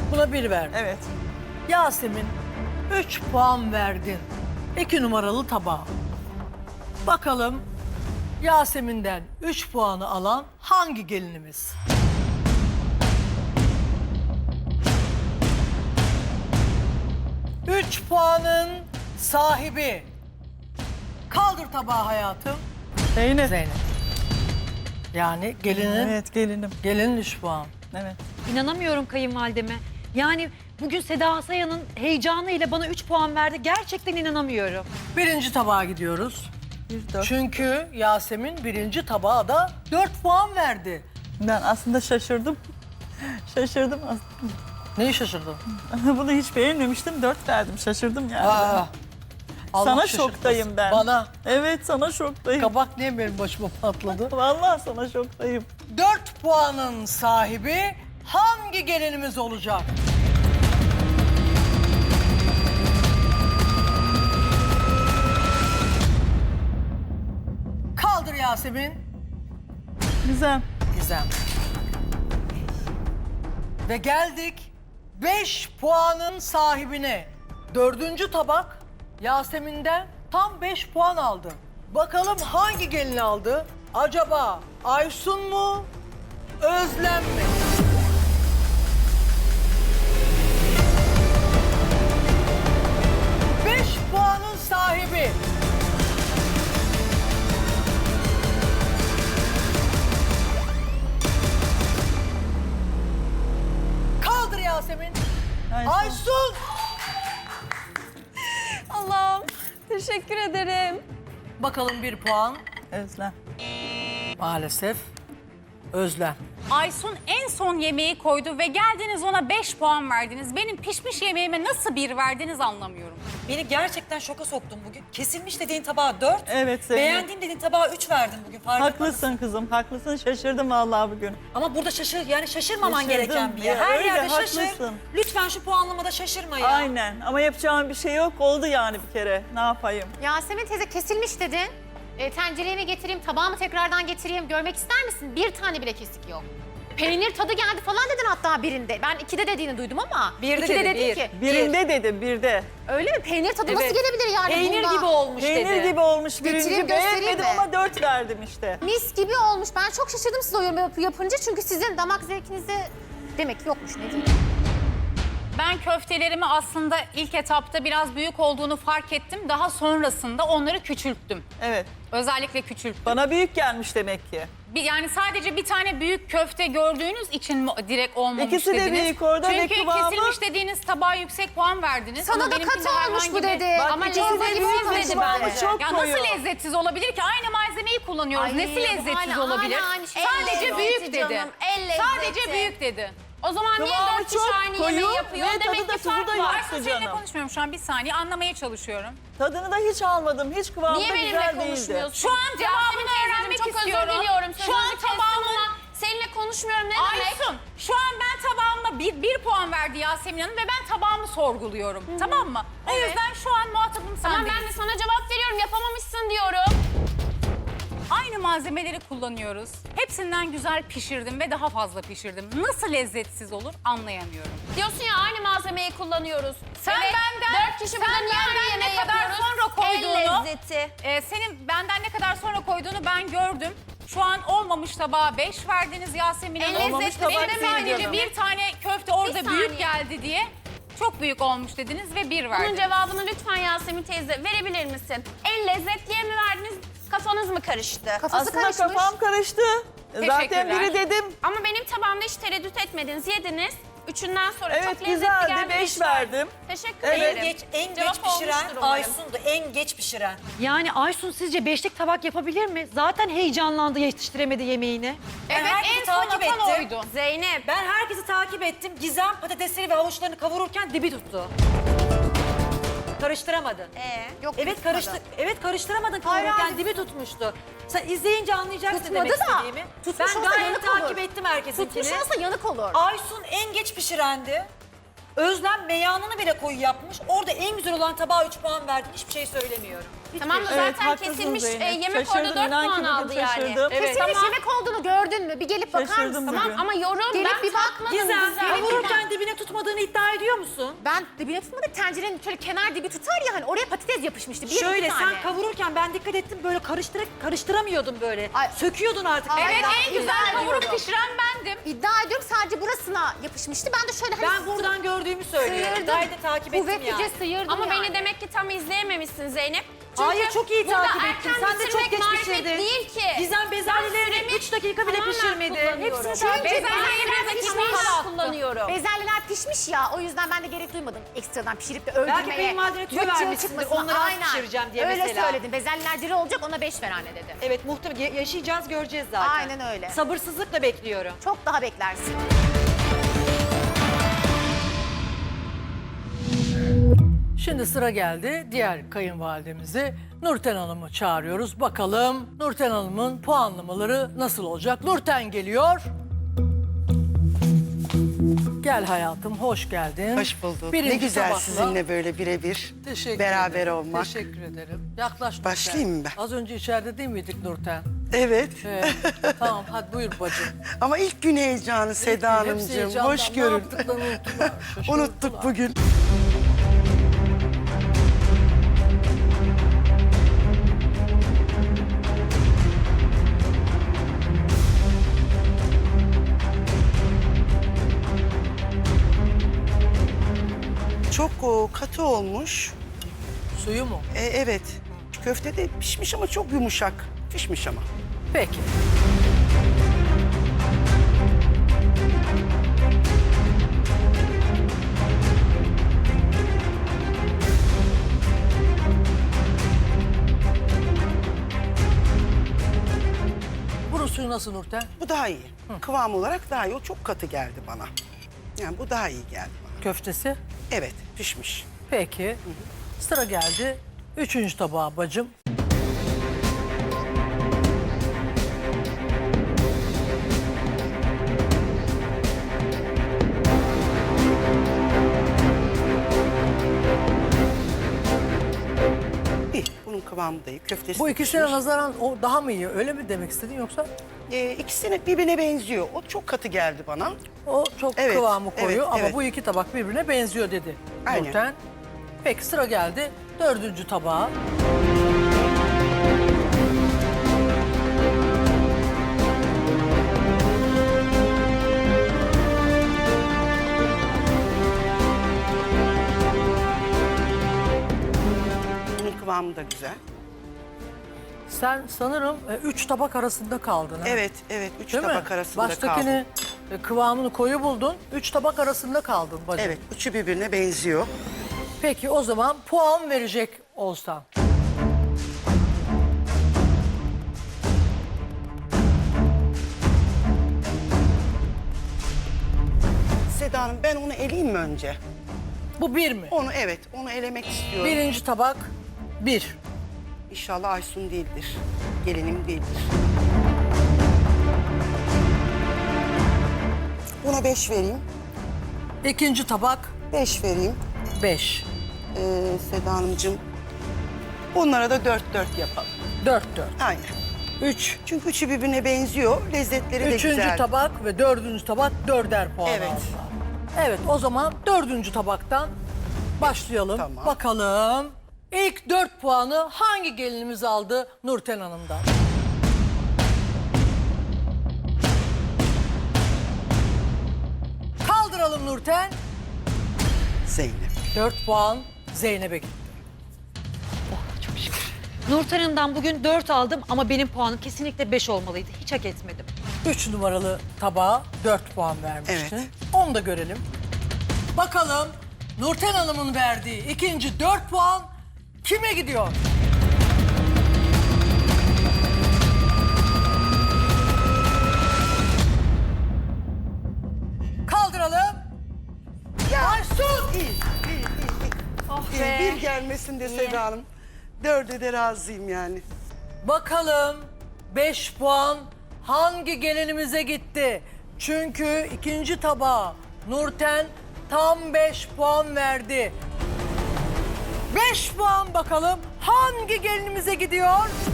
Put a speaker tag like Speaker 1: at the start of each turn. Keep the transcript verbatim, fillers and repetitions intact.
Speaker 1: Buna bir verdin.
Speaker 2: Evet.
Speaker 1: Yasemin, üç puan verdin. İki numaralı tabağa. Bakalım Yasemin'den üç puanı alan hangi gelinimiz? Üç puanın sahibi. Kaldır tabağı hayatım.
Speaker 2: Zeynep.
Speaker 1: Zeynep. Yani gelinin,
Speaker 2: Evet gelinim.
Speaker 1: gelinin üç puan.
Speaker 2: Evet.
Speaker 3: İnanamıyorum kayınvalideme. Yani bugün Seda Sayan'ın heyecanıyla bana üç puan verdi. Gerçekten inanamıyorum.
Speaker 1: Birinci tabağa gidiyoruz.
Speaker 2: Bir dört.
Speaker 1: Çünkü Yasemin birinci tabağa da dört puan verdi.
Speaker 2: Ben aslında şaşırdım. Şaşırdım aslında.
Speaker 1: Neyi şaşırdın?
Speaker 2: Bunu hiç beğenmemiştim. Dört verdim. Şaşırdım yani.
Speaker 1: Aa, Allah
Speaker 2: Sana
Speaker 1: şaşırtmasın.
Speaker 2: şoktayım ben.
Speaker 1: Bana.
Speaker 2: Evet sana şoktayım.
Speaker 1: Kabak niye benim başıma patladı?
Speaker 2: Vallahi sana şoktayım.
Speaker 1: Dört puanın sahibi hangi gelinimiz olacak? Kaldır Yasemin.
Speaker 2: Güzel.
Speaker 1: Gizem. Ve geldik beş puanın sahibine. Dördüncü tabak Yasemin'den tam beş puan aldı. Bakalım hangi gelin aldı? Acaba Aysun mu, Özlem mi? Beş puanın sahibi. Kaldır Yasemin.
Speaker 2: Aysun.
Speaker 1: Aysun.
Speaker 4: Allah'ım teşekkür ederim.
Speaker 1: Bakalım bir puan.
Speaker 2: Özlem.
Speaker 1: Maalesef Özlem.
Speaker 5: Aysun en son yemeği koydu ve geldiniz ona beş puan verdiniz. Benim pişmiş yemeğime nasıl bir verdiniz anlamıyorum.
Speaker 6: Beni gerçekten şoka soktun bugün. Kesilmiş dediğin tabağa dört,
Speaker 2: Evet Zeynep.
Speaker 6: beğendiğim dediğin tabağa üç verdin bugün. Farkında mısın?
Speaker 2: Haklısın kızım. Haklısın. Şaşırdım vallahi bugün.
Speaker 6: Ama burada şaşır, yani şaşırmaman
Speaker 2: Şaşırdım
Speaker 6: gereken bir yer.
Speaker 2: ya,
Speaker 6: Her
Speaker 2: öyle,
Speaker 6: yerde şaşır.
Speaker 2: haklısın.
Speaker 6: Lütfen şu puanlamada şaşırma ya.
Speaker 2: Aynen. Ama yapacağım bir şey yok. Oldu yani bir kere. Ne yapayım?
Speaker 7: Yasemin teyze kesilmiş dedin. E, tencereye mi getireyim, tabağı mı tekrardan getireyim görmek ister misin? Bir tane bile kesik yok. Peynir tadı geldi falan dedin hatta birinde. Ben ikide dediğini duydum ama.
Speaker 6: Birde
Speaker 7: ikide
Speaker 6: dedi,
Speaker 7: dedin
Speaker 6: bir.
Speaker 7: ki.
Speaker 2: Birinde dedim, birde.
Speaker 7: Öyle mi? Peynir tadı nasıl
Speaker 6: Evet.
Speaker 7: gelebilir yani
Speaker 6: Peynir
Speaker 7: bunda?
Speaker 6: gibi olmuş
Speaker 2: Peynir
Speaker 6: dedi.
Speaker 2: gibi olmuş
Speaker 7: Getireyim,
Speaker 2: birinci.
Speaker 7: göstereyim
Speaker 2: Beğenmedim
Speaker 7: mi?
Speaker 2: ama dört verdim işte.
Speaker 7: Mis gibi olmuş. Ben çok şaşırdım siz o yorum yap- yapınca. Çünkü sizin damak zevkinizde demek ki yokmuş ne diyeyim.
Speaker 5: Ben köftelerimi aslında ilk etapta biraz büyük olduğunu fark ettim. Daha sonrasında onları küçülttüm.
Speaker 2: Evet.
Speaker 5: Özellikle küçülttüm.
Speaker 2: Bana büyük gelmiş demek ki.
Speaker 5: Bir, yani sadece bir tane büyük köfte gördüğünüz için mi direkt olmamış
Speaker 2: İkisi de
Speaker 5: dediniz?
Speaker 2: büyük orada ve
Speaker 5: Çünkü
Speaker 2: kıvamı-
Speaker 5: kesilmiş dediğiniz tabağa yüksek puan verdiniz.
Speaker 7: Sana
Speaker 5: Ama
Speaker 7: da
Speaker 5: benimkinde
Speaker 7: katı olmuş
Speaker 5: herhangi
Speaker 7: bu
Speaker 5: bir-
Speaker 7: dedi.
Speaker 2: Bak,
Speaker 7: Ama
Speaker 2: ikisi de
Speaker 7: çorba gibi
Speaker 2: büyük ve
Speaker 7: olmadı
Speaker 2: kıvamı
Speaker 7: bence.
Speaker 2: çok
Speaker 5: Ya
Speaker 2: koyu.
Speaker 5: nasıl lezzetsiz olabilir ki? Aynı malzemeyi kullanıyoruz.
Speaker 7: Ay,
Speaker 5: Nesi
Speaker 7: bu
Speaker 5: lezzetsiz
Speaker 7: hala-
Speaker 5: olabilir?
Speaker 7: hala aynı şey.
Speaker 5: Sadece
Speaker 7: El
Speaker 5: büyük
Speaker 7: lezzeti
Speaker 5: dedi.
Speaker 7: canım, el lezzeti.
Speaker 5: Sadece büyük dedi.
Speaker 4: O zaman niye
Speaker 2: Kıvamı
Speaker 4: dört kişi
Speaker 2: çok
Speaker 4: aynı
Speaker 2: koyu
Speaker 4: yemeği yapıyor?
Speaker 2: ve tadı
Speaker 4: Demek
Speaker 2: da
Speaker 4: ki
Speaker 2: tuzu
Speaker 4: fark
Speaker 2: da
Speaker 4: var.
Speaker 2: yok.
Speaker 5: Aysun seninle
Speaker 2: canım.
Speaker 5: konuşmuyorum şu an. Bir saniye anlamaya çalışıyorum.
Speaker 2: Tadını da hiç almadım. Hiç kıvamı
Speaker 4: Niye
Speaker 2: da
Speaker 4: benimle
Speaker 2: güzel değildi.
Speaker 4: konuşmuyorsun?
Speaker 5: Şu an cevabını
Speaker 4: Yasemin
Speaker 5: öğrenmek
Speaker 4: teyzeciğim, çok
Speaker 5: istiyorum.
Speaker 4: özür diliyorum.
Speaker 5: Şu an
Speaker 4: Sözünüzü kestim
Speaker 5: tabağımı...
Speaker 4: ama seninle konuşmuyorum ne demek?
Speaker 5: Aysun, şu an ben tabağıma bir, bir puan verdi Yasemin Hanım ve ben tabağımı sorguluyorum. Tamam mı? O
Speaker 4: Evet.
Speaker 5: yüzden şu an muhatabım sen
Speaker 4: Tamam ben de
Speaker 5: değilsin.
Speaker 4: sana cevap veriyorum yapamamışsın diyorum.
Speaker 5: Aynı malzemeleri kullanıyoruz. Hepsinden güzel pişirdim ve daha fazla pişirdim. Nasıl lezzetsiz olur anlayamıyorum.
Speaker 4: Diyorsun ya aynı malzemeyi kullanıyoruz.
Speaker 5: Sen
Speaker 4: evet,
Speaker 5: benden-
Speaker 4: dört kişi
Speaker 5: sen
Speaker 4: burada niye
Speaker 5: benden
Speaker 4: aynı
Speaker 5: ne
Speaker 4: yemeği
Speaker 5: kadar
Speaker 4: yapıyoruz?
Speaker 5: sonra koyduğunu-
Speaker 4: El lezzeti.
Speaker 5: Ee, senin benden ne kadar sonra koyduğunu ben gördüm. Şu an olmamış tabağa beş verdiniz Yasemin Hanım.
Speaker 4: El
Speaker 2: Olmamış
Speaker 4: lezzeti
Speaker 2: tabak
Speaker 5: Benim
Speaker 4: benim
Speaker 2: değil
Speaker 5: sadece
Speaker 2: canım.
Speaker 5: bir tane köfte orada
Speaker 4: Bir
Speaker 5: büyük
Speaker 4: saniye.
Speaker 5: geldi diye çok büyük olmuş dediniz ve bir
Speaker 4: Bunun
Speaker 5: verdiniz.
Speaker 4: cevabını lütfen Yasemin teyze verebilir misin? El lezzetliye mi verdiniz? Kafanız mı karıştı?
Speaker 7: Kafası
Speaker 2: Aslında
Speaker 7: karışmış.
Speaker 2: kafam karıştı. Zaten biri dedim.
Speaker 4: Ama benim tabağımda hiç tereddüt etmediniz, yediniz. Üçünden sonra
Speaker 2: Evet
Speaker 4: çok lezzetli
Speaker 2: güzeldi.
Speaker 4: geldi.
Speaker 2: Beş verdim.
Speaker 4: Teşekkür
Speaker 2: Evet.
Speaker 6: En
Speaker 4: ederim.
Speaker 6: geç, en
Speaker 4: Cevap
Speaker 6: geç pişiren
Speaker 4: olmuştur umarım.
Speaker 6: Aysun'du. En geç pişiren.
Speaker 3: Yani Aysun sizce beşlik tabak yapabilir mi? Zaten heyecanlandı yetiştiremedi yemeğini.
Speaker 6: Ben
Speaker 5: Evet
Speaker 6: herkesi
Speaker 5: en son
Speaker 6: takip
Speaker 5: atan
Speaker 6: ettim.
Speaker 5: oydu.
Speaker 4: Zeynep.
Speaker 6: Ben herkesi takip ettim. Gizem patatesleri ve havuçlarını kavururken dibi tuttu. Karıştıramadın.
Speaker 4: Ee?
Speaker 7: Yok,
Speaker 6: Evet
Speaker 7: tutmadı.
Speaker 6: karıştı. Evet karıştıramadın
Speaker 7: Hayır,
Speaker 6: kavururken
Speaker 7: hayır.
Speaker 6: dibi tutmuştu. Sen izleyince anlayacaksın
Speaker 7: Tutmadı
Speaker 6: demek
Speaker 7: da,
Speaker 6: istediğimi.
Speaker 7: tutmuş
Speaker 6: Ben
Speaker 7: olsa
Speaker 6: gayet
Speaker 7: yanık
Speaker 6: takip
Speaker 7: olur.
Speaker 6: ettim herkesinkini.
Speaker 7: Tutmuş olsa yanık olur.
Speaker 6: Aysun en geç pişirendi. Özlem meyanını bile koyu yapmış. Orada en güzel olan tabağa üç puan verdin. Hiçbir şey söylemiyorum.
Speaker 4: Tamam da
Speaker 2: Evet,
Speaker 4: zaten
Speaker 2: haklısın
Speaker 4: kesilmiş e,
Speaker 2: Zeynep.
Speaker 4: yemek
Speaker 2: Şaşırdım,
Speaker 4: orada dört
Speaker 2: inan ki
Speaker 4: puan
Speaker 2: bugün
Speaker 4: aldı yani.
Speaker 2: şaşırdım.
Speaker 5: Evet.
Speaker 7: Kesilmiş
Speaker 4: Tamam.
Speaker 7: yemek olduğunu gördün mü? Bir gelip bakar
Speaker 2: Şaşırdım
Speaker 7: mısın?
Speaker 2: bugün.
Speaker 4: Tamam ama yorum
Speaker 7: Gelip
Speaker 4: ben
Speaker 7: bir bak,
Speaker 4: tatmadım
Speaker 6: Gizem
Speaker 4: güzel.
Speaker 6: kavururken dibine tutmadığını tutmadığını iddia ediyor musun?
Speaker 7: Ben dibine tutmadık. Tencerenin şöyle kenar dibi tutar ya hani oraya patates yapışmıştı. Bir
Speaker 6: Şöyle
Speaker 7: iki
Speaker 6: sen
Speaker 7: tane.
Speaker 6: kavururken ben dikkat ettim böyle karıştırarak karıştıramıyordun böyle.
Speaker 7: Ay.
Speaker 6: Söküyordun artık.
Speaker 7: Ay,
Speaker 5: Evet
Speaker 7: ben
Speaker 5: en güzel
Speaker 7: iddia
Speaker 5: kavurup
Speaker 7: ediyorum.
Speaker 5: pişiren bendim.
Speaker 7: İddia ediyorum sadece burasına yapışmıştı. Ben de şöyle hani
Speaker 6: Ben buradan gördüğümü söylüyorum.
Speaker 7: sıyırdım.
Speaker 6: Gayet de takip ettim
Speaker 7: Kuvvetlice
Speaker 6: yani.
Speaker 7: sıyırdım
Speaker 4: Ama
Speaker 7: yani.
Speaker 4: beni demek ki tam izleyememişsin Zeynep. Çünkü
Speaker 6: Hayır çok iyi
Speaker 4: burada
Speaker 6: takip
Speaker 4: erken
Speaker 6: ettim. Sen de çok
Speaker 4: bitirmek
Speaker 6: geç
Speaker 4: marifet
Speaker 6: pişirdin.
Speaker 4: değil ki.
Speaker 6: Gizem bezelyelerini
Speaker 4: süremi
Speaker 6: üç dakika bile
Speaker 4: tamamen
Speaker 6: pişirmedi.
Speaker 4: kullanıyorum.
Speaker 6: Hepsini takip
Speaker 7: Çünkü
Speaker 6: ettim.
Speaker 7: bezelyeler
Speaker 4: Ben
Speaker 7: pişmiş.
Speaker 4: tamamen kullanıyorum.
Speaker 7: Bezelyeler pişmiş ya o yüzden ben de gerek duymadım ekstradan pişirip de öldürmeye.
Speaker 6: Belki kayınvalidene tüyo
Speaker 7: Cıvık cıvık
Speaker 6: vermişsindir,
Speaker 7: çıkmasına.
Speaker 6: onları az
Speaker 7: Aynen.
Speaker 6: pişireceğim diye
Speaker 7: Öyle
Speaker 6: mesela.
Speaker 7: söyledim. Bezelyeler diri olacak ona beş ver anne dedi.
Speaker 6: Evet muhtemelen yaşayacağız göreceğiz zaten.
Speaker 7: Aynen öyle.
Speaker 6: Sabırsızlıkla bekliyorum.
Speaker 7: Çok daha beklersin.
Speaker 1: Şimdi sıra geldi diğer kayınvalidemizi Nurten Hanım'ı çağırıyoruz. Bakalım Nurten Hanım'ın puanlamaları nasıl olacak? Nurten geliyor. Gel hayatım, hoş geldin.
Speaker 8: Hoş bulduk.
Speaker 1: Birinci
Speaker 8: ne güzel
Speaker 1: tabakla-
Speaker 8: sizinle böyle birebir
Speaker 1: Teşekkür
Speaker 8: beraber
Speaker 1: ederim.
Speaker 8: olmak.
Speaker 1: Teşekkür ederim. Yaklaş Nurten.
Speaker 8: Başlayayım mı ben?
Speaker 1: Az önce içeride değil miydik Nurten?
Speaker 8: Evet.
Speaker 1: Evet. Tamam hadi buyur bacım.
Speaker 8: Ama ilk gün heyecanı Seda
Speaker 1: Hepsi
Speaker 8: Hanımcığım.
Speaker 1: heyecandan.
Speaker 8: Hoş
Speaker 1: Ne
Speaker 8: görün.
Speaker 1: yaptıklarını unuttular, şaşırdılar.
Speaker 8: Unuttuk bugün. Çok o, katı olmuş.
Speaker 1: Suyu mu?
Speaker 8: E, evet. Köfte de pişmiş ama çok yumuşak. Pişmiş ama.
Speaker 1: Peki. Bunun suyu nasıl Nurten?
Speaker 8: Bu daha iyi. Kıvam olarak daha iyi. O çok katı geldi bana. Yani bu daha iyi geldi bana.
Speaker 1: Köftesi?
Speaker 8: Evet, pişmiş.
Speaker 1: Peki. Sıra geldi. Üçüncü tabağa bacım.
Speaker 8: İyi, bunun kıvamı da iyi. Köftesi
Speaker 1: Bu
Speaker 8: de
Speaker 1: ikisine
Speaker 8: pişmiş.
Speaker 1: nazaran o daha mı iyi? Öyle mi demek istedin yoksa?
Speaker 8: Ee, ikisine birbirine benziyor. O çok katı geldi bana.
Speaker 1: O çok
Speaker 8: Evet,
Speaker 1: kıvamı koyu
Speaker 8: evet,
Speaker 1: ama
Speaker 8: evet.
Speaker 1: bu iki tabak birbirine benziyor dedi
Speaker 8: Aynen.
Speaker 1: Nurten. Peki sıra geldi dördüncü tabağa.
Speaker 8: Bunun kıvamı da güzel.
Speaker 1: Sen sanırım e, üç tabak arasında kaldın. ha?
Speaker 8: Evet, evet. Üç
Speaker 1: Değil mi?
Speaker 8: tabak arasında
Speaker 1: Baştakini
Speaker 8: kaldım.
Speaker 1: e, kıvamını koyu buldun. Üç tabak arasında kaldın bacım.
Speaker 8: Evet, üçü birbirine benziyor.
Speaker 1: Peki o zaman puan verecek olsan.
Speaker 8: Seda Hanım, ben onu eleyeyim mi önce?
Speaker 1: Bu bir mi?
Speaker 8: Onu evet, onu elemek istiyorum.
Speaker 1: Birinci tabak bir.
Speaker 8: İnşallah Aysun değildir. Gelinim değildir. Buna beş vereyim.
Speaker 1: İkinci tabak
Speaker 8: Beş vereyim.
Speaker 1: beş.
Speaker 8: Ee, Seda Hanımcığım. Onlara da dört dört yapalım.
Speaker 1: Dört dört.
Speaker 8: Aynen.
Speaker 1: Üç.
Speaker 8: Çünkü üçü birbirine benziyor. Lezzetleri de
Speaker 1: Üçüncü
Speaker 8: güzel.
Speaker 1: tabak ve dördüncü tabak dörder puan
Speaker 8: Evet.
Speaker 1: aldılar. Evet o zaman dördüncü tabaktan başlayalım.
Speaker 8: Tamam.
Speaker 1: Bakalım ilk dört puanı hangi gelinimiz aldı Nurten Hanım'dan? Kaldıralım Nurten.
Speaker 8: Zeynep.
Speaker 1: Dört puan Zeynep'e gitti.
Speaker 3: Nurten Hanım'dan bugün dört aldım ama benim puanım kesinlikle beş olmalıydı. Hiç hak etmedim.
Speaker 1: Üç numaralı tabağa dört puan vermiştin.
Speaker 8: Evet.
Speaker 1: Onu da görelim. Bakalım Nurten Hanım'ın verdiği ikinci dört puan kime gidiyor? Kaldıralım. Aysun!
Speaker 8: İyi, iyi, iyi. iyi.
Speaker 4: Oh
Speaker 8: İyi,
Speaker 4: be.
Speaker 8: bir gelmesin de Seda Hanım. Dörde de razıyım yani.
Speaker 1: Bakalım beş puan hangi gelinimize gitti? Çünkü ikinci tabağa Nurten tam beş puan verdi. Beş puan bakalım hangi gelinimize gidiyor?